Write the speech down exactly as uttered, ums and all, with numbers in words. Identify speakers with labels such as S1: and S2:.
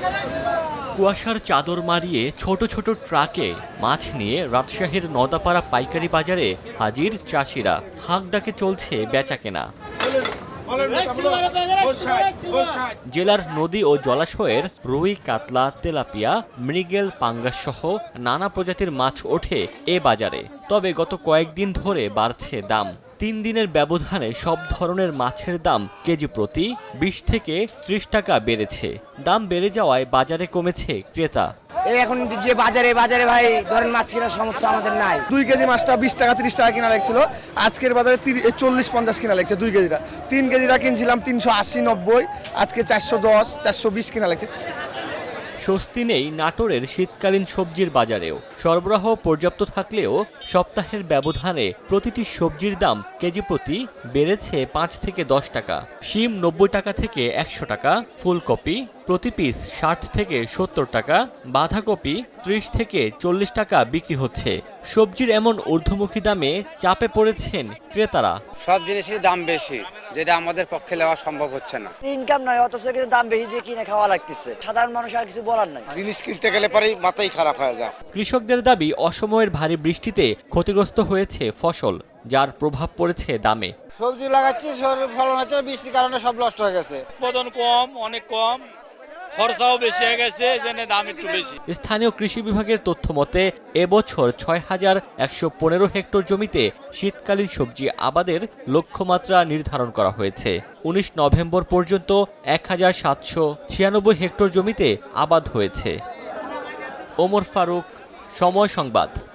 S1: কুয়াশার চাদর মারিয়ে ছোট ছোট ট্রাকে মাছ নিয়ে রাজশাহীর নদাপাড়া পাইকারি বাজারে হাজির চাষিরা। হাঁক ডাকে চলছে বেচাকেনা। জেলার নদী ও জলাশয়ের রুই, কাতলা, তেলাপিয়া, মৃগেল, পাঙ্গাস সহ নানা প্রজাতির মাছ ওঠে এ বাজারে। তবে গত কয়েকদিন ধরে বাড়ছে দাম। তিন দিনের ব্যবধানে সব ধরনের মাছের দাম কেজি প্রতি বিশ থেকে ত্রিশ টাকা বেড়েছে। দাম বেড়ে যাওয়ায় বাজারে কমেছে ক্রেতা।
S2: এখন যে বাজারে বাজারে ভাই ধরেন মাছ কেনার সামর্থ্য আমাদের নাই।
S3: দুই কেজি মাছটা বিশ টাকা ত্রিশ টাকা কিনা লাগছিল, আজকের বাজারে চল্লিশ পঞ্চাশ কিনা লাগছে। দুই কেজিটা তিন কেজিটা কিনছিলাম তিনশো আশি নব্বই, আজকে চারশো দশ চারশো বিশ কিনা লাগছে।
S1: স্বস্তি নেই নাটোরের শীতকালীন সবজির বাজারেও। সরবরাহ পর্যাপ্ত থাকলেও সপ্তাহের ব্যবধানে প্রতিটি সবজির দাম কেজি প্রতি বেড়েছে পাঁচ থেকে দশ টাকা। শিম নব্বই টাকা থেকে একশো টাকা, ফুলকপি প্রতি পিস ষাট থেকে সত্তর টাকা, বাঁধাকপি ত্রিশ থেকে চল্লিশ টাকা বিক্রি হচ্ছে। সবজির এমন ঊর্ধ্বমুখী দামে চাপে পড়েছেন ক্রেতারা।
S4: সব জিনিসের দাম বেশি, যেটা আমাদের পক্ষে নেওয়া সম্ভব হচ্ছে না।
S2: ইনকাম নয়, অথচ কিন্তু দাম বেশি দিয়ে কিনে খাওয়া লাগতেছে। সাধারণ মানুষ আর কিছু বলার নাই।
S4: জিনিস কিনতে গেলে পরেই মাথাই খারাপ হয়ে যায়।
S1: কৃষকদের দাবি, অসময়ের ভারী বৃষ্টিতে ক্ষতিগ্রস্ত হয়েছে ফসল, যার প্রভাব পড়েছে দামে।
S5: সবজি লাগাচ্ছি, ফলন হচ্ছে, বৃষ্টির কারণে সব নষ্ট হয়ে গেছে।
S6: উৎপাদন কম, অনেক কম, খরচাও বেশি হয়ে গেছে, এজন্য দাম একটু বেশি।
S1: স্থানীয় কৃষি বিভাগের তথ্য মতে এবছর ছয় হাজার একশো পনেরো হেক্টর জমিতে শীতকালীন সবজি আবাদের লক্ষ্যমাত্রা নির্ধারণ করা হয়েছে। উনিশ নভেম্বর পর্যন্ত এক হাজার সাতশো ছিয়ানব্বই হেক্টর জমিতে আবাদ হয়েছে। ওমর ফারুক, সময় সংবাদ।